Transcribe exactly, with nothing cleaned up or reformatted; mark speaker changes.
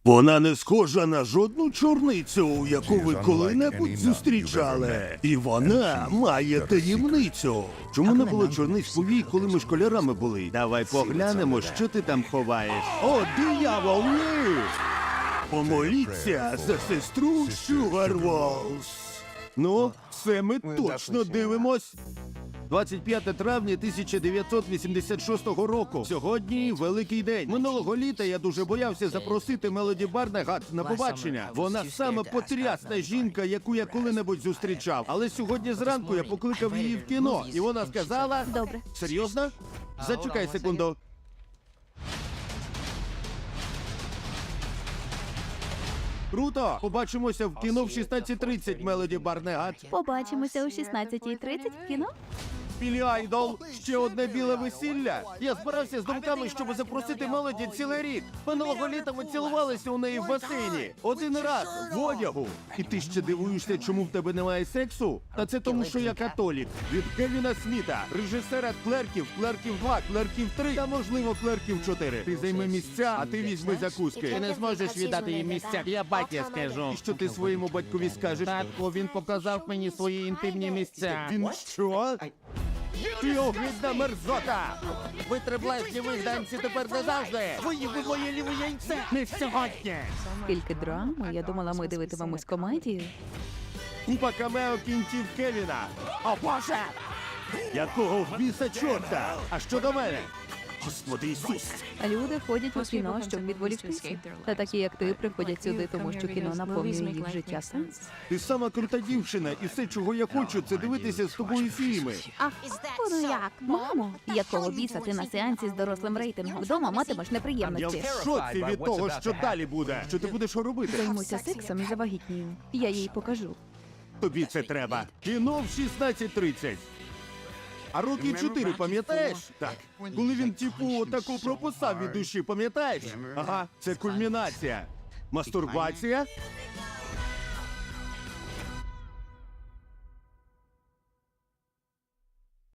Speaker 1: Вона не схожа на жодну чорницю, яку ви коли-небудь зустрічали. І вона має таємницю. Чому не було чорниць повій, коли ми школярами були? Давай поглянемо, що ти там ховаєш. О, диявол, ні! Помоліться за сестру Шугарволс. Ну, це ми точно дивимось. двадцять п'яте травня тисяча дев'ятсот вісімдесят шостого року. Сьогодні великий день. Минулого літа я дуже боявся запросити Мелоді Барнегат на побачення. Вона саме потрясна жінка, яку я коли-небудь зустрічав. Але сьогодні зранку я покликав її в кіно, і вона сказала...
Speaker 2: Добре.
Speaker 1: Серйозно? Зачекай секунду. Круто! Побачимося в кіно в шістнадцять тридцять, Мелоді Барнегат.
Speaker 2: Побачимося о шістнадцятій тридцять в кіно.
Speaker 1: Білі Айдол, ще одне біле весілля. Я збирався з думками, щоб запросити Мелоді цілий рік. Минулого літа ми цілувалися у неї в басейні. Один раз, в одягу. І ти ще дивуєшся, чому в тебе немає сексу? Та це тому, що я католік. Від Кевіна Сміта, режисера Клерків, Клерків два, Клерків три та, можливо, Клерків чотири. Ти займи місця, а ти візьми закуски.
Speaker 3: Ти не зможеш віддати їм місця. Я батя скажу.
Speaker 1: І що ти своєму батькові скажеш?
Speaker 3: Татко, він показав мені свої інтимні місця.
Speaker 1: Він що? Ти огидна мерзота!
Speaker 3: Ви три блесні вигданці тепер назавжди. Твої ви моє ліве яйце. Не сьогодні.
Speaker 2: Скільки драми, я думала, ми дивитимемось комедію.
Speaker 1: Купа камео кінців Кевіна. О, Боже! Якого в біса чорта? А що до мене? Господи Ісус!
Speaker 2: Люди ходять у кіно, щоб відволіктися. Та такі, як ти, приходять сюди, тому що кіно наповнює їх життя сенс.
Speaker 1: Ти сама крута дівчина, і все, чого я хочу, це дивитися з тобою фільми.
Speaker 2: А воно як? Мамо, якого біса ти на сеансі з дорослим рейтингом? Вдома матимеш
Speaker 1: Я в
Speaker 2: неприємності.
Speaker 1: шоці від того, що далі буде. Що ти будеш робити?
Speaker 2: Займуся сексом і завагітнію. Я їй покажу.
Speaker 1: Тобі це треба. Кіно в шістнадцять тридцять. А роки чотири, пам'ятаєш? Так. Коли він, типу, таку прописав від душі, пам'ятаєш? Ага, це кульмінація. Мастурбація?